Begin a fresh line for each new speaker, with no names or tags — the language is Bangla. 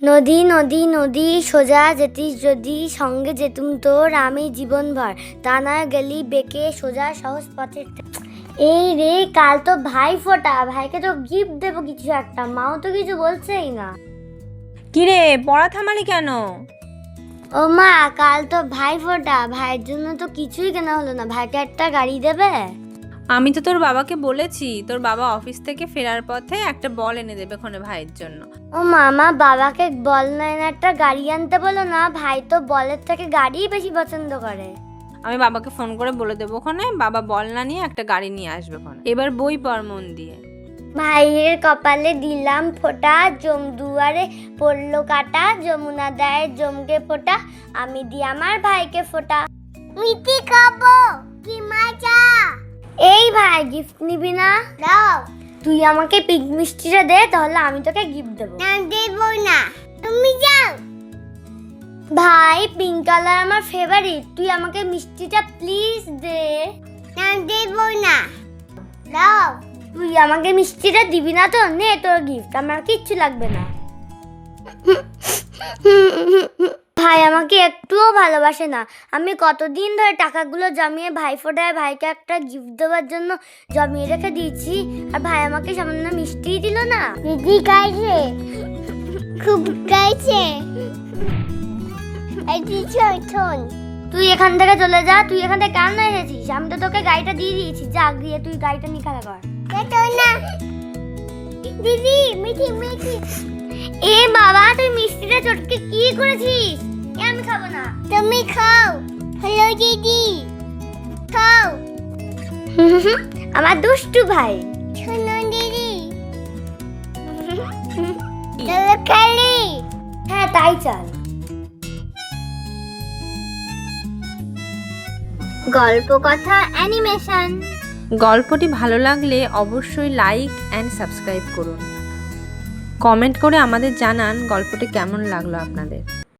নদী নদী নদী সোজা যেতিস যদি, সঙ্গে যেতুম তোর আমি জীবনভর, তা না গেলি বেঁকে সোজা সহজ পথে। এই রে, কাল তো ভাই ফোটা, ভাইকে তো গিফট দেবো কিছু একটা, মাও তো কিছু বলছেই না।
কিরে, পড়া থামালি কেন?
ও মা, কাল তো ভাই ফোটা, ভাইয়ের জন্য তো কিছুই কেনা হলো না, ভাইকে একটা গাড়ি দেবে?
আমি তো তোর বাবাকে বলেছি, তোর বাবা অফিস থেকে ফেরার পথে একটা বল এনে দেবে ক্ষণে ভাইয়ের জন্য।
ও মামা, বাবাকে বল না এনে একটা গাড়ি আনতে বলো না, ভাই তো বলের থেকে গাড়িই বেশি পছন্দ করে।
আমি বাবাকে ফোন করে বলে দেবো ক্ষণে, বাবা বল না নিয়ে একটা গাড়ি নিয়ে আসবে ক্ষণে। এবার বই পড় মন দিয়ে।
ভাইয়ের কপালে দিলাম ফোঁটা, জমদুয়ারে পড়লো কাটা, যমুনা দেয় জমকে ফোঁটা, আমি দি আমার ভাইকে ফোঁটা। মিষ্টি খাবো, কি মজা। এই ভাই, গিফট নিবি না? দাও। তুই আমাকে পিঙ্ক মিষ্টিটা দে, তাহলে আমি তোকে গিফট দেবো। না, দেব না, তুমি যাও। ভাই, পিঙ্ক কালার আমার ফেভারিট, তুই আমাকে মিষ্টিটা প্লিজ দে। না, দেব না, দাও। তুই আমাকে মিষ্টিটা দিবি না তো? নে তোর গিফট, আমার কিচ্ছু লাগবে না। ভাই আমাকে একটুও ভালোবাসে না। আমি কতদিন ধরে টাকাগুলো জমিয়ে ভাইফোঁটায় ভাইকে একটা গিফট দেওয়ার জন্য জমিয়ে রেখে দিয়েছি, আর ভাই আমাকে সামান্য মিষ্টিই দিল না। দিদি গাইছে, খুব গাইছে। তুই এখান থেকে চলে যা, তুই এখান থেকে কেন এসেছিস? আমি তো তোকে গাড়িটা দিয়ে দিয়েছি, যা গিয়ে তুই গাড়িটা নিয়ে খেলা কর। দিদি, মিঠি মিঠি। এ বাবা, তুই মিষ্টিটা চটকে কি করেছিস? আমি খাবো না। তুমি খাও। হ্যালো দিদি, খাও। আমার দুষ্টু ভাই। শোনো দিদি, চলো খেলি। হ্যাঁ, তাই চল। গল্প কথা অ্যানিমেশন।
গল্পটি ভালো লাগলে অবশ্যই লাইক অ্যান্ড সাবস্ক্রাইব করুন। কমেন্ট করে আমাদের জানান গল্পটি কেমন লাগলো আপনাদের।